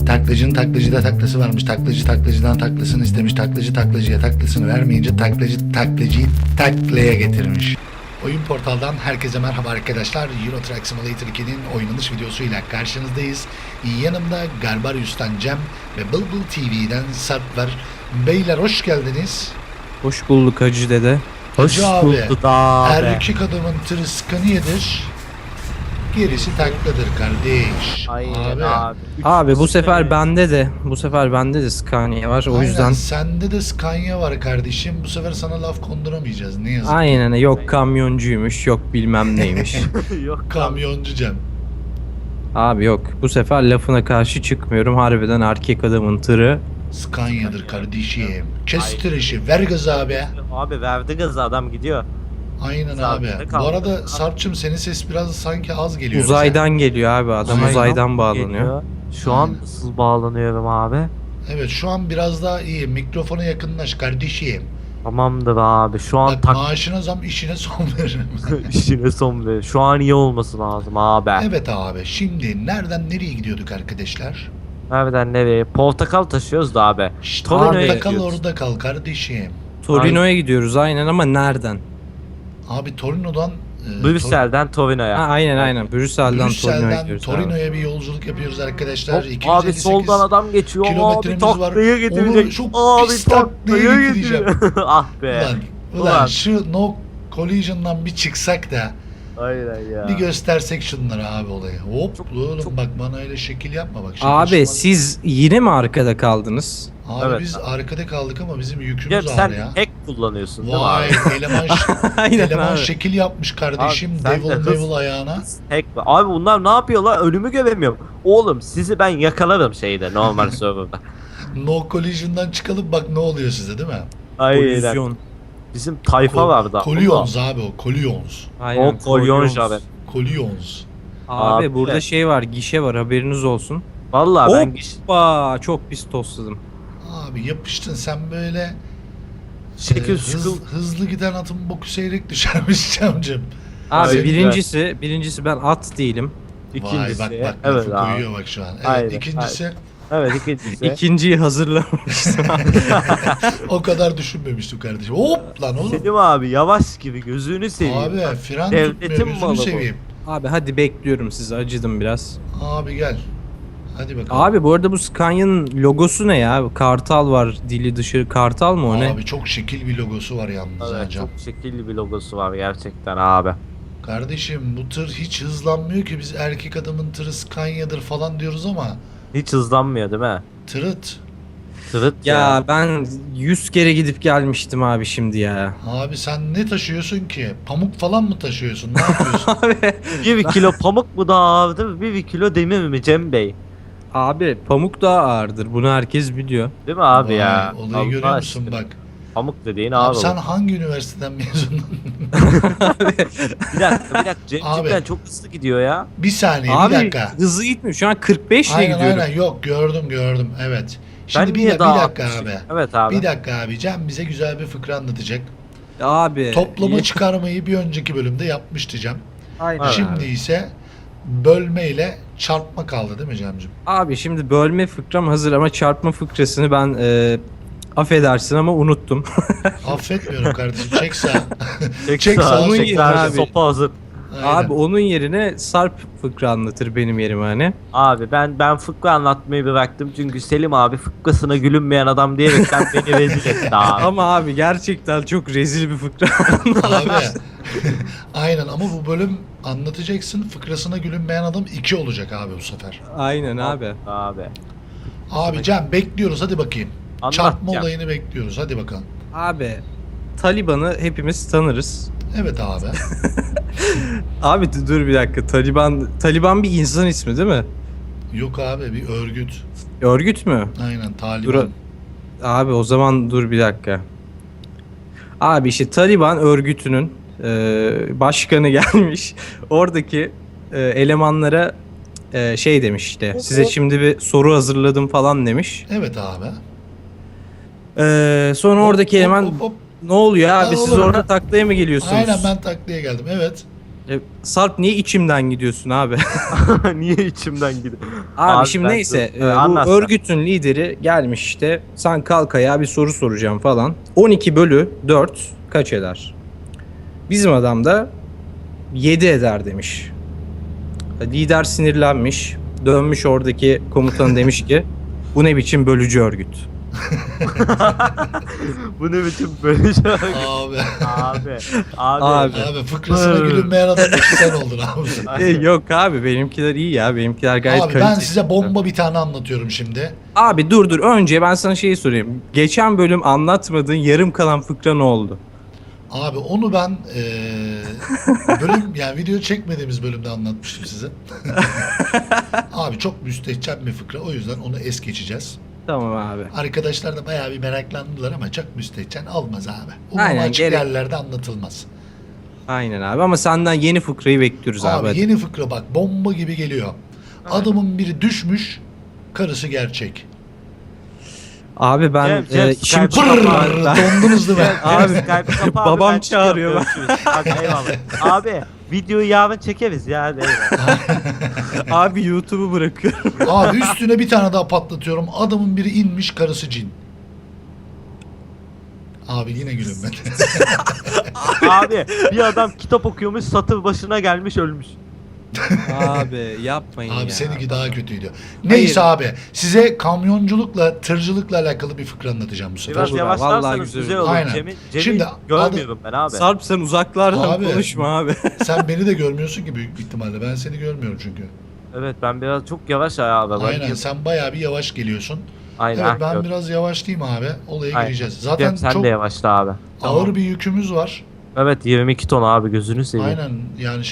Taklacının taklacıda taklası varmış. Taklacı taklacıdan taklasını istemiş. Taklacı taklacıya taklasını vermeyince taklacı taklacıyı taklaya getirmiş. Oyun portaldan herkese merhaba arkadaşlar. Euro Truck Simulator 2'nin oynanış videosuyla karşınızdayız. Yanımda Garbarius'tan Cem ve Bulbul TV'den Sarp var. Beyler hoş geldiniz. Hoş bulduk Hacı dede. Hacı abi, bulduk abi. erkek adamın tırı Scania'dır. Gerisi takladır kardeş. Aynen abi. Abi bu sefer bende de Scania var o Aynen, yüzden. sende de Scania var kardeşim. Bu sefer sana laf konduramayacağız ne yazık. Aynen yok kamyoncuymuş yok bilmem neymiş. Yok Kamyoncu Cem. Abi yok bu sefer lafına karşı çıkmıyorum harbiden erkek adamın tırı. Scania'dır kardeşim. Kestir işi, ver gaz abi. abi verdi gazı adam gidiyor. Aynen Sabit abi. de Bu kaldı. arada Sarp'cığım senin ses biraz sanki az geliyor. Uzaydan geliyor abi adam uzaydan bağlanıyor. Geliyor. Şu an nasıl bağlanıyorum abi? Evet şu an biraz daha iyi. Mikrofona yakınlaş kardeşim. Tamamdır abi. Şu an Bak tak maaşına zam işine son veririm. işine son ver. Şu an iyi olması lazım abi. Evet abi. Şimdi nereden nereye gidiyorduk arkadaşlar? Nereden nereye? Portakal taşıyoruz da abi. İşte Torino'ya orada kal gidiyoruz. orada kal kardeşim. Torino'ya gidiyoruz aynen ama nereden? Abi Torino'dan Brüksel'den Torino'ya. Aynen Brüksel'den Torino'ya Brüksel'den gidiyoruz abi. Torino'ya bir yolculuk yapıyoruz arkadaşlar. Hop, 258 abi soldan adam geçiyor. Abi kilometremiz var. taklaya Onu getirecek. çok Abi pis taklaya taklaya getireceğim. getiriyor. Ah be. Ulan şu no collision'dan bir çıksak da Aynen ya. bir göstersek şunlara abi olayı. Hop Çok- oğlum çok- bak bana öyle şekil yapma bak. Abi şaka. siz yine mi arkada kaldınız? Abi Evet. biz arkada kaldık ama bizim Cem yükümüz sen ağır ya. hack kullanıyorsun değil mi Vay abi? eleman eleman abi. şekil yapmış kardeşim. Abi, sen de Devil hız- devil ayağına. Hack var. Abi bunlar ne yapıyor lan? Önümü göremiyorum. Oğlum sizi ben yakalarım şeyde normal serverda. No collision'dan çıkalım bak ne oluyor size değil mi? Aynen. Kolizyon. Bizim tayfa vardı. Collions abi o Collions. Aynen, O kolyonj Collions. abi. Collions. Abi Abi. burada şey var gişe var haberiniz olsun. Vallahi ben Hoppa çok pis tostladım. Abi yapıştın sen böyle şekil hız- şukul. hızlı giden atın boku seyrek düşermiş Cem'cim. Abi Aynen. birincisi ben at değilim. İkincisi. Vay bak evet lafı abi. koyuyor bak şu an. Evet Aynen, ikincisi Evet ikincisi. İkinciyi hazırlamamıştım. o kadar düşünmemiştim kardeşim. Hop lan oğlum. Selim abi yavaş gibi gözünü seveyim. Abi fren Devletin tutmuyor gözünü malı bu. seveyim. Abi hadi bekliyorum sizi acıdım biraz. Abi gel. Hadi bakalım. Abi bu arada bu Scania'nın logosu ne ya? Kartal var dili dışı kartal mı o ne? Abi çok şekil bir logosu var yalnız Evet, hocam. çok şekilli bir logosu var gerçekten abi. Kardeşim bu tır hiç hızlanmıyor ki biz erkek adamın tırı Scania'dır falan diyoruz ama Hiç hızlanmıyor değil mi? tırıt. Tırıt Ya ben 100 kere gidip gelmiştim abi şimdi ya. Abi sen ne taşıyorsun ki? Pamuk falan mı taşıyorsun? Ne yapıyorsun? Abi, 1 kilo pamuk mu daha ağır değil mi? 1 kilo demir mi Cem Bey? abi pamuk daha ağırdır bunu herkes biliyor. Değil mi abi Vay, ya? Olayı Allah görüyor musun aşkına. bak. Pamuk dediğin Abi ağır sen olur. hangi üniversiteden mezundun? Bir dakika Cem Abi. cidden çok hızlı gidiyor ya. Bir saniye Abi bir dakika. hızlı gitmiyor şu an 45 ile Aynen gidiyorum. aynen yok gördüm evet. Şimdi Ben bir, niye bir daha dakika 60? abi. Evet abi. Bir dakika abi Cem bize güzel bir fıkra anlatacak. Abi. Toplama çıkarmayı bir önceki bölümde yapmıştı Cem. Aynen. Evet. Şimdi ise bölme ile çarpma kaldı değil mi Cem'cim? Abi şimdi bölme fıkram hazır ama çarpma fıkrasını ben affedersin ama unuttum. Affetmiyorum kardeşim çek sağ. Çek Çek sağa, sağa, çek çek sağa, abi. sopa hazır. Aynen. Abi onun yerine Sarp fıkra anlatır benim yerime hani. Abi ben fıkra anlatmayı bıraktım çünkü Selim abi fıkrasına gülünmeyen adam diyerekten beni rezil etti abi. Ama abi gerçekten çok rezil bir fıkra. Abi aynen ama bu bölüm anlatacaksın fıkrasına gülünmeyen adam 2 olacak abi bu sefer. Aynen abi. Abi. Abi Cem bekliyoruz hadi bakayım. Anlat Çarpma Cem. olayını bekliyoruz hadi bakalım. Abi Taliban'ı hepimiz tanırız. Evet abi. Abi dur bir dakika. Taliban bir insan ismi değil mi? Yok abi bir örgüt. Örgüt mü? Aynen Taliban. Abi o zaman dur bir dakika. Abi işte Taliban örgütünün başkanı gelmiş. Oradaki elemanlara şey demiş işte. Size şimdi bir soru hazırladım falan demiş. Evet abi. Sonra oradaki eleman Hop, hop. ne oluyor abi Ya siz oğlum, orada taklaya mı geliyorsunuz? Aynen ben taklaya geldim evet. Sarp niye içimden gidiyorsun abi? Niye içimden gidiyor? Abi şimdi ben- neyse bu anlat sen. örgütün lideri gelmiş işte. Sen kalk ayağa bir soru soracağım falan. 12 bölü 4 kaç eder? Bizim adam da 7 eder demiş. Lider sinirlenmiş. Dönmüş oradaki komutan demiş ki bu ne biçim bölücü örgüt. Bu ne biçim böyle şey? Abi. Abi. Abi. Abi fıkrasına gülünmeyen adam sen oldun abi. Yok abi benimkiler iyi ya. Benimkiler gayet Abi ben kaliteli. size bomba bir tane anlatıyorum şimdi. Abi dur önce ben sana şeyi sorayım. Geçen bölüm anlatmadığın yarım kalan fıkra ne oldu? Abi onu ben bölüm yani video çekmediğimiz bölümde anlatmıştım size. Abi çok müstehcen bir fıkra, o yüzden onu es geçeceğiz. Tamam abi. Arkadaşlar da bayağı bir meraklandılar ama çok müstehcen olmaz abi. Aynen, Açık gerek- yerlerde anlatılmaz. Aynen abi ama senden yeni fıkrayı bekliyoruz abi. Abi hadi. yeni fıkra bak, bomba gibi geliyor. Adamın biri düşmüş, karısı gerçek. Abi ben Cem, işim Skype'ı çıktı. kapat. Ben- Dondunuz değil mi? Abi, Skype'ı kapa babam ben çağırıyor. çıkıyorum, görüşürüz. Hadi eyvallah. Abi videoyu yarın çekeriz ya. Hadi eyvallah. Abi YouTube'u bırakıyorum. Abi üstüne bir tane daha patlatıyorum. Adamın biri inmiş, karısı cin. Abi yine gülünmedi. Abi bir adam kitap okuyormuş, satır başına gelmiş, ölmüş. Abi yapmayın ya. Abi seninki daha kötüydü. Neyse abi, size kamyonculukla, tırcılıkla alakalı bir fıkra anlatacağım bu sefer. Biraz Olur abi, yavaşlarsanız vallahi güzel, güzel olur. Aynen. Cem'i Şimdi görmüyorum ben abi. Sarp sen uzaklardan Abi. konuşma abi. Sen beni de görmüyorsun ki büyük ihtimalle. Ben seni görmüyorum çünkü. Evet ben biraz çok yavaş abi. Aynen, sen bayağı bir yavaş geliyorsun. Aynen. Evet, ben yok. biraz yavaşlayayım abi. Olaya Aynen. gireceğiz. Cem, Zaten sen çok de yavaşla abi. ağır bir yükümüz var. Evet 22 ton abi, gözünü seveyim. Aynen, yani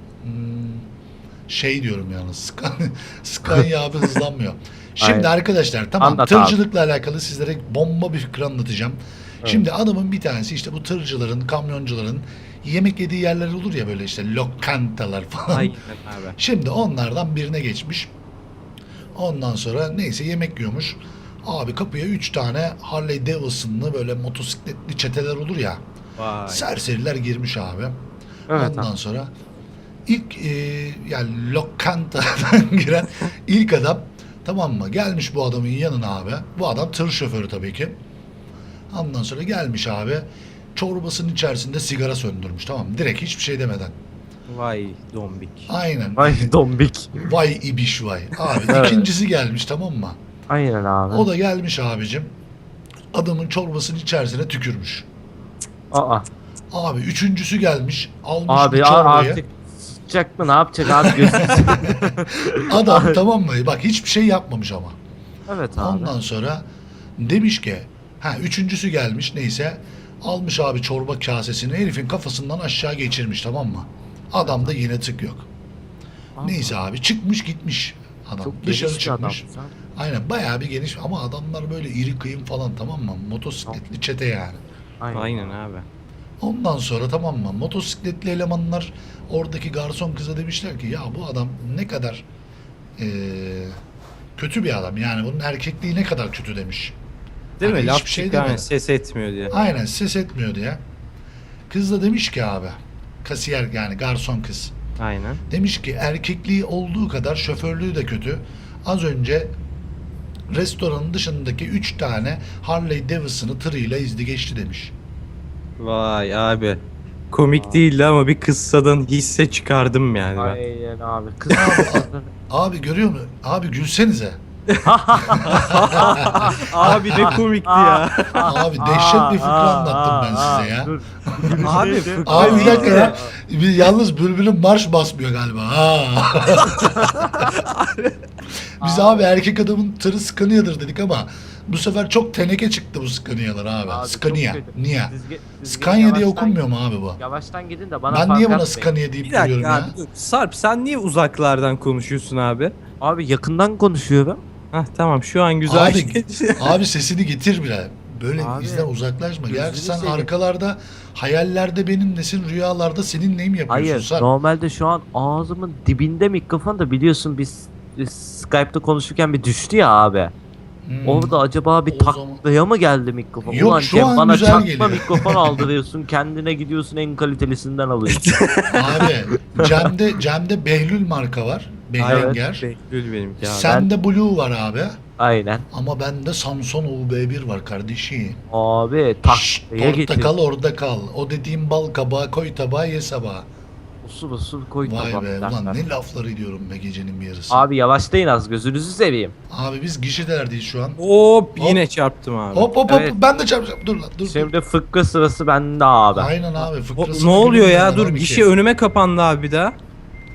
şey diyorum yalnız. Scania abi hızlanmıyor. Şimdi Aynen. arkadaşlar tamam, Anlat tırcılıkla alakalı sizlere bomba bir fikir anlatacağım. Evet. Şimdi adamın bir tanesi işte bu tırcıların, kamyoncuların yemek yediği yerler olur ya, böyle işte lokantalar falan. Aynen abi. Şimdi onlardan birine geçmiş. Ondan sonra neyse yemek yiyormuş. Abi kapıya 3 tane Harley Davidson'lı böyle motosikletli çeteler olur ya. Vay. Serseriler girmiş abi. Evet Ondan abi. sonra ilk yani lokantadan giren ilk adam, tamam mı? Gelmiş bu adamın yanına abi. Bu adam tır şoförü tabii ki. Ondan sonra gelmiş abi. Çorbasının içerisinde sigara söndürmüş, tamam mı? Direkt hiçbir şey demeden. Vay dombik. Aynen. Ay dombik. Vay ibiş vay. Abi Evet. ikincisi gelmiş, tamam mı? Aynen abi. O da gelmiş abicim. Adamın çorbasının içerisine tükürmüş. Aa. Abi üçüncüsü gelmiş. Almış bu Abi çorbayı. artık sıcak mı, ne yapacak abi, gözünü seveyim. Adam tamam mı? Bak hiçbir şey yapmamış ama. Evet abi. Ondan sonra demiş ki, üçüncüsü gelmiş neyse, almış abi çorba kasesini herifin kafasından aşağı geçirmiş, tamam mı? Adamda yine tık yok. Aa, Neyse abi çıkmış gitmiş adam. çok Dışarı geniş bir adam. çıkmış. Aynen, bayağı bir geniş ama adamlar böyle iri kıyım falan, tamam mı? Motosikletli çete yani. Aynen abi. Ondan sonra tamam mı? Motosikletli elemanlar oradaki garson kıza demişler ki ya bu adam ne kadar kötü bir adam. Yani bunun erkekliği ne kadar kötü demiş. Değil Hani mi? Laf hiçbir şey çıktı yani demedi. ses etmiyor diye. Aynen, ses etmiyor diye. Kız da demiş ki abi, kasiyer yani garson kız. Aynen. Demiş ki erkekliği olduğu kadar şoförlüğü de kötü. Az önce restoranın dışındaki 3 tane Harley Davidson'ı tırıyla izdi geçti demiş. Vay abi. Komik değildi ama bir kıssadan hisse çıkardım yani ben. Aynen abi. Kız Abi görüyor musun? Abi gülsenize. Abi ne komikti ya. Abi dehşet bir fıkra anlattım ben size ya. Dur. Abi Abi bir dakika neydi? ya. Yalnız Bülbül'ün marş basmıyor galiba. Ha. Biz abi erkek adamın tırı Scania'dır dedik ama bu sefer çok teneke çıktı bu Scania'lar abi. Abi, Scania. çok kötü. Niye? Siz Scania diye yavaştan- okunmuyor mu abi bu? Yavaştan gidin de bana Ben fark niye buna atmayın. Scania deyip Bir duruyorum dakika ya? abi dur. Sarp sen niye uzaklardan konuşuyorsun abi? Abi yakından konuşuyorum. Hah tamam şu an güzel. Abi, abi sesini getir bile. Böyle Abi, bizden uzaklaşma. gözünü Gerçi sen seveyim. arkalarda hayallerde benimlesin, rüyalarda seninleyim yapıyorsun. Hayır, Sarp. normalde şu an ağzımın dibinde mikrofon da, biliyorsun biz Skype'da konuşurken bir düştü ya abi. Orada acaba bir O zaman- taklaya mı geldi mikrofon? Yok, Ulan şu Cem, an bana güzel çakma geliyor. mikrofon aldırıyorsun, kendine gidiyorsun en kalitelisinden alıyorsun. Abi Cem'de Behlül marka var. Behringer. Behlül benimki abi. Sende Blue var abi. Aynen. Ama bende Samsung UB1 var kardeşim. Abi Şşt, taklaya orada getir. kal orada kal. O dediğim bal kabağı koy tabağa ye sabaha. Usul usul koy Vay be tabaktan. ulan ne laflar ediyorum be gecenin bir yarısı. Abi yavaşlayın az, gözünüzü seveyim. Abi biz gişelerdeyiz şu an. Hop yine çarptım abi. Hop hop Evet. hop ben de çarpacağım. Dur lan dur. Şimdi fıkra sırası bende abi. Aynen abi Hop, fıkrası. ne oluyor ya? Dur gişe önüme kapandı abi bir daha.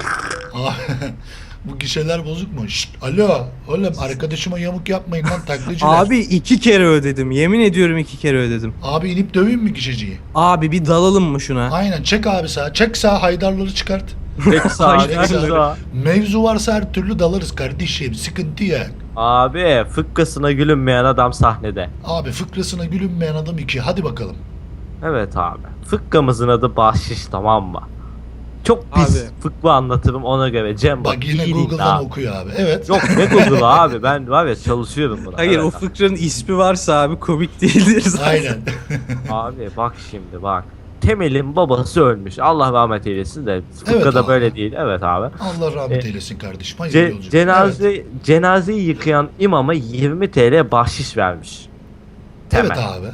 Bu gişeler bozuk mu? Şşt, alo. Oğlum arkadaşıma yamuk yapmayın lan taklacılar. Abi 2 kere ödedim. Yemin ediyorum 2 kere ödedim. Abi inip döveyim mi gişeciyi? Abi bir dalalım mı şuna? Aynen çek abi sağa. Çek sağa haydarları çıkart. Peki sağ Hayır, sağ. Mevzu varsa her türlü dalarız kardeşim. Sıkıntı yok. Abi fıkrasına gülünmeyen adam sahnede. Abi fıkrasına gülünmeyen adam 2. Hadi bakalım. Evet abi. Fıkramızın adı bahşiş, tamam mı? Çok pis Abi. fıkra anlatırım ona göre. Cem bak, Bak yine iyi dinle Google'dan abi. okuyor abi. Evet. Yok ne Google'ı abi, ben var ya çalışıyorum buna. Hayır Evet o abi. fıkranın ismi varsa abi komik değildir zaten. Aynen. Abi bak şimdi bak. Temel'in babası ölmüş. Allah rahmet eylesin de fıkrada abi. böyle değil. Evet abi. Allah rahmet E, eylesin kardeşim. Hayırlı yolculuk. Cenazeyi yıkayan imama 20 TL bahşiş vermiş. Evet. Temel. Evet abi.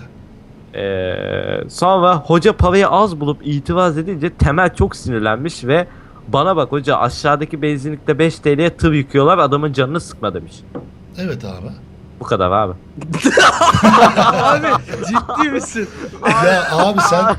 Sonra hoca parayı az bulup itiraz edince Temel çok sinirlenmiş ve bana bak hoca, aşağıdaki benzinlikte 5 TL'ye tır yıkıyorlar, adamın canını sıkma demiş. Evet abi. Bu kadar abi. Abi ciddi misin? Ya abi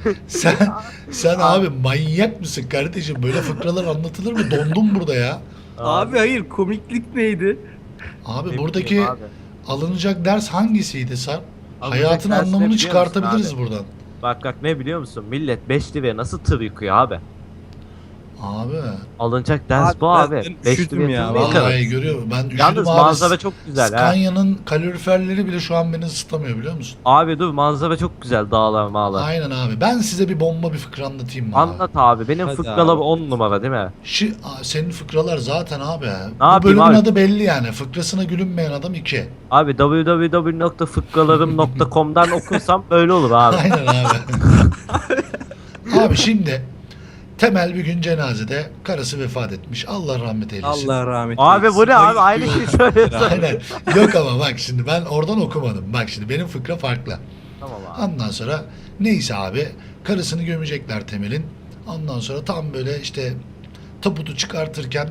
sen abi manyak mısın kardeşim? Böyle fıkralar anlatılır mı? Dondum burada ya. Abi hayır komiklik neydi? Abi Ne buradaki bileyim abi. alınacak ders hangisiydi Sarp? Alınacak Hayatın ders ne anlamını biliyor çıkartabiliriz musun buradan. Bak ne biliyor musun? Millet 5 liraya nasıl tır yıkıyor abi? Abi. Alınacak ders Abi bu ben abi. 5 üşüdüm liraya ya, tır mı yıkarız? Vallahi görüyorum. Ben üşüdüm Yalnız abi. manzara çok güzel ha. Scania'nın kaloriferleri bile şu an beni ısıtamıyor biliyor musun? Abi dur, manzara çok güzel, dağlar mağlar. Aynen abi. Ben size bir bomba bir fıkra anlatayım mı abi? Anlat abi. Benim Hadi fıkralar abi. 10 numara değil mi? Senin fıkralar zaten abi. Bu yapayım bölümün abi? adı belli yani. Fıkrasına gülünmeyen adam 2. Abi www.fıkralarım.com'dan okursam böyle olur abi. Aynen abi. Abi şimdi Temel bir gün cenazede karısı vefat etmiş. Allah rahmet eylesin. Allah rahmet Abi bu ne abi? Ay, Aynı şeyi söylüyorsun. Aynen. Yok ama bak şimdi ben oradan okumadım. Bak şimdi benim fıkra farklı. Tamam abi. Ondan sonra neyse abi karısını gömecekler Temel'in. Ondan sonra tam böyle işte tabutu çıkartırken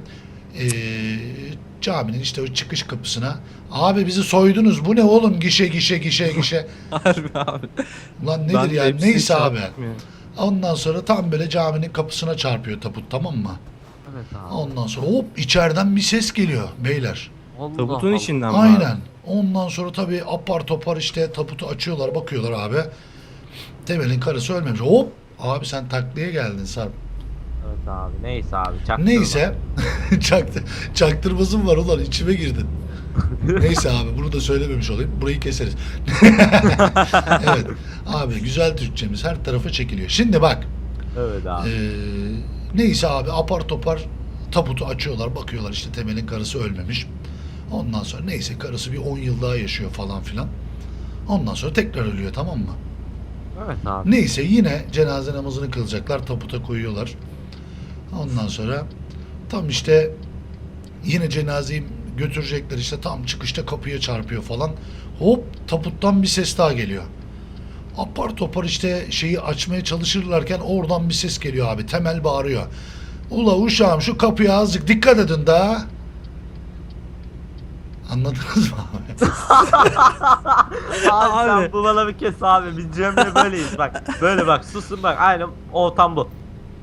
caminin işte o çıkış kapısına abi bizi soydunuz bu ne oğlum gişe gişe. Harbi abi. Ulan Ben nedir de ya hepsini neyse abi. çarptım ya. Ondan sonra tam böyle caminin kapısına çarpıyor tabut tamam mı? Evet abi. Ondan sonra hop içeriden bir ses geliyor beyler. Allah Tabutun Allah. içinden mi abi? Aynen. Ondan sonra tabii apar topar işte taputu açıyorlar bakıyorlar abi. Temel'in karısı ölmemiş. Hop abi sen taklaya geldin Sarp. Evet abi. Neyse abi. Çaktırma. Neyse. Çaktırmasın var ulan içime girdin. Neyse abi bunu da söylememiş olayım. Burayı keseriz. Evet. Abi güzel Türkçemiz her tarafa çekiliyor. Şimdi bak. Evet abi. Neyse abi apar topar tabutu açıyorlar bakıyorlar işte Temel'in karısı ölmemiş. Ondan sonra neyse karısı bir 10 yıl daha yaşıyor falan filan. Ondan sonra tekrar ölüyor tamam mı? Evet abi. Neyse yine cenaze namazını kılacaklar tabuta koyuyorlar. Ondan sonra tam işte yine cenazeyi götürecekler işte tam çıkışta kapıya çarpıyor falan. Hop tabuttan bir ses daha geliyor. Apar topar işte şeyi açmaya çalışırlarken oradan bir ses geliyor abi. Temel bağırıyor. Ula uşağım şu kapıya azıcık dikkat edin daha. Anladınız mı abi? Abi Abi. sen bu bana bir kes abi. Biz Cem'le böyleyiz bak. Böyle bak, susun bak. Aynen ortam bu.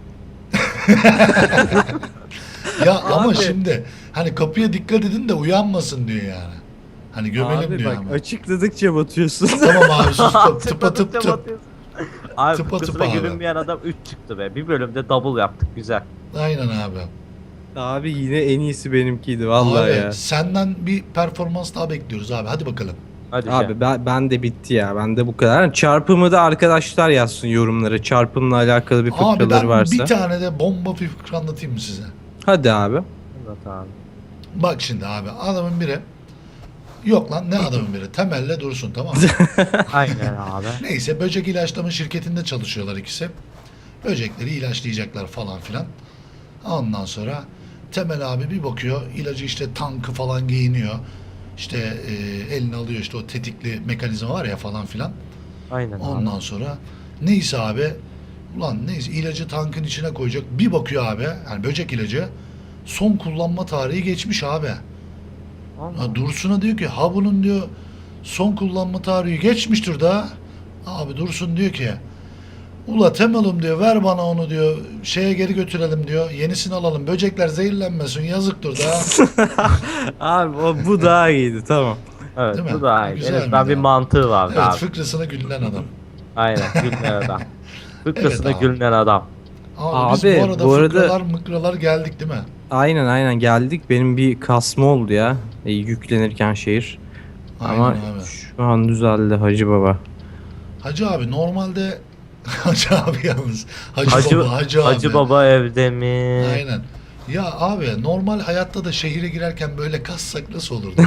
Ya ama Abi. şimdi hani kapıya dikkat edin de uyanmasın diyor yani. Hani gömelim Abi diyor bak ama. açıkladıkça batıyorsun. Tamam abi sus tıpa tıp Tıpa tıp. tıp. Abi Tıpa fıkrasına tıpa abi. gülünmeyen adam 3 çıktı be. Bir bölümde double yaptık, güzel. Aynen abi. Abi yine en iyisi benimkiydi vallahi Abi, ya. senden bir performans daha bekliyoruz abi. Hadi bakalım. Hadi Cem. Abi ben de bitti ya. Ben de bu kadar. Çarpımı da arkadaşlar yazsın yorumlara. Çarpımla alakalı bir Abi fıkraları ben varsa. bir tane de bomba bir fıkra anlatayım mı size? Hadi abi. Evet abi. Bak şimdi abi adamın biri Yok lan ne adamın biri. Temelle Dursun, tamam mı? Aynen abi. Neyse, böcek ilaçlama şirketinde çalışıyorlar ikisi. Böcekleri ilaçlayacaklar falan filan. Ondan sonra Temel abi bir bakıyor, ilacı işte tankı falan giyiniyor. İşte eline alıyor, işte o tetikli mekanizma var ya falan filan. Aynen abi. Ondan sonra neyse abi, ulan neyse, ilacı tankın içine koyacak. Bir bakıyor abi, yani böcek ilacı son kullanma tarihi geçmiş abi. Allah. Ya Dursun'a diyor ki ha bunun diyor son kullanma tarihi geçmiştir da. Abi Dursun diyor ki ula Temel'im diyor, ver bana onu diyor, şeye geri götürelim diyor, yenisini alalım, böcekler zehirlenmesin, yazıktır da. Abi bu daha iyiydi, tamam. Evet Değil mi? bu da iyi. Güzel En azından miydi bir abi? mantığı var Evet, abi. fıkrasına gülünen adam. Aynen gülünen adam. Fıkrasına Evet abi. gülünen adam. Abi, biz Abi, bu arada bu arada- fıkralar mıkralar geldik değil mi? Aynen geldik. Benim bir kasma oldu ya. Yüklenirken şehir. Aynen Ama abi. şu an düzeldi Hacı Baba. Hacı abi normalde Hacı abi yalnız. Hacı, Hacı, baba, Hacı abi. Hacı baba evde mi? Aynen. Ya abi normal hayatta da şehire girerken böyle kassak nasıl olurdu?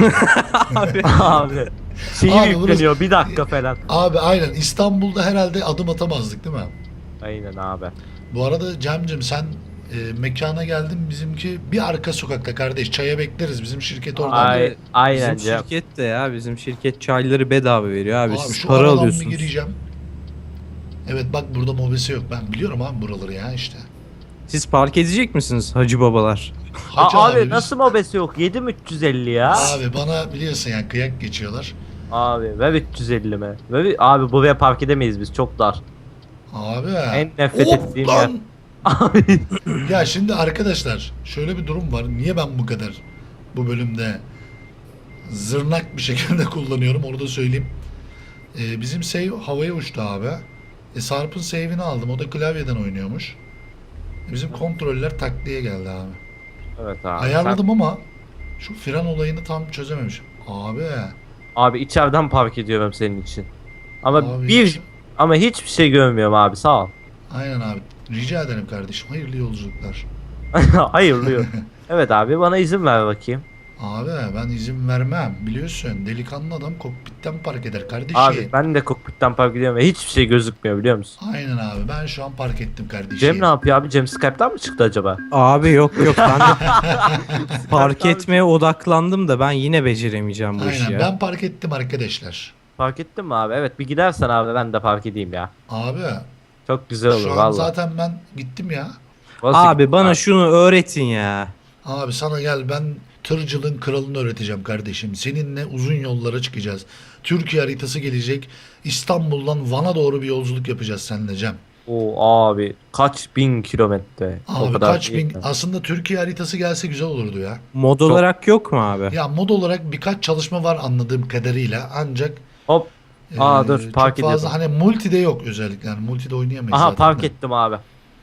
Abi. Şehir Abi yükleniyor bir dakika falan. Abi aynen, İstanbul'da herhalde adım atamazdık değil mi? Aynen abi. Bu arada Cem'cim sen mekana geldin, bizimki bir arka sokakta kardeş, çaya bekleriz, bizim şirket orada. Ay, aynen Bizim Cem. şirket de ya. Bizim şirket çayları bedava veriyor abi. Abi Siz şu para aradan bir alıyorsunuz. gireceğim. Evet bak, burada mobese yok, ben biliyorum abi buraları ya işte. Siz park edecek misiniz Hacı Babalar? Hacı Abi biz- nasıl mobesi yok? 7350 ya. Abi bana biliyorsun yani kıyak geçiyorlar. Abi ve 350 mi? Abi buraya park edemeyiz biz çok dar. Abi. En nefret Hop ettiğim lan! yer. Abi. Ya şimdi arkadaşlar şöyle bir durum var. Niye ben bu kadar bu bölümde zırnak bir şekilde kullanıyorum, onu da söyleyeyim. Bizim save havaya uçtu abi. Sarp'ın save'ini aldım. O da klavyeden oynuyormuş. Bizim kontroller takliye geldi abi. Evet abi. Ayarladım ama şu fren olayını tam çözememişim. Abi. Abi içeriden park ediyorum senin için. Ama Abi bir ama hiçbir şey görmüyorum abi sağ ol. Aynen abi. Rica ederim kardeşim. Hayırlı yolculuklar. Hayırlı. Evet abi bana izin ver bakayım. Abi ben izin vermem. Biliyorsun delikanlı adam kokpitten park eder kardeşim. Abi ben de kokpitten park ediyorum ve hiçbir şey gözükmüyor biliyor musun? Aynen abi, ben şu an park ettim kardeşim. Cem ne yapıyor abi? Cem Skype'tan mı çıktı acaba? Abi yok ben de park etmeye odaklandım da ben yine beceremeyeceğim bu işi Aynen, ya. ben park ettim arkadaşlar. Fark ettin mi abi? Evet bir gidersen abi ben de park edeyim ya. Abi Çok güzel olur şu an valla. zaten ben gittim ya. Abi bana şunu öğretin ya. Abi sana gel, ben tırcılığın kralını öğreteceğim kardeşim. Seninle uzun yollara çıkacağız. Türkiye haritası gelecek. İstanbul'dan Van'a doğru bir yolculuk yapacağız seninle Cem. Oo abi kaç bin kilometre. O Abi kadar kaç değil bin, mi? aslında Türkiye haritası gelse güzel olurdu ya. Mod olarak yok mu abi? Ya mod olarak birkaç çalışma var anladığım kadarıyla, ancak Hop. Dur park çok fazla ediyorum. hani multide yok özellikle, yani multide oynayamayız Aha zaten park de. ettim abi.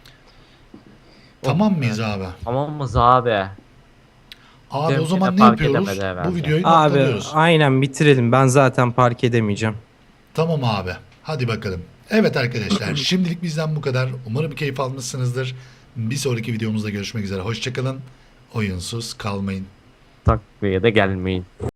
Tamam mıyız abi? Tamam mı abi? Abi Cem o zaman yine ne park yapıyoruz? edemedi herhalde. Bu videoyu Abi noktalıyoruz. aynen bitirelim. Ben zaten park edemeyeceğim. Tamam abi. Hadi bakalım. Evet arkadaşlar, şimdilik bizden bu kadar. Umarım keyif almışsınızdır. Bir sonraki videomuzda görüşmek üzere. Hoşçakalın. Oyunsuz kalmayın. Takviye de gelmeyin.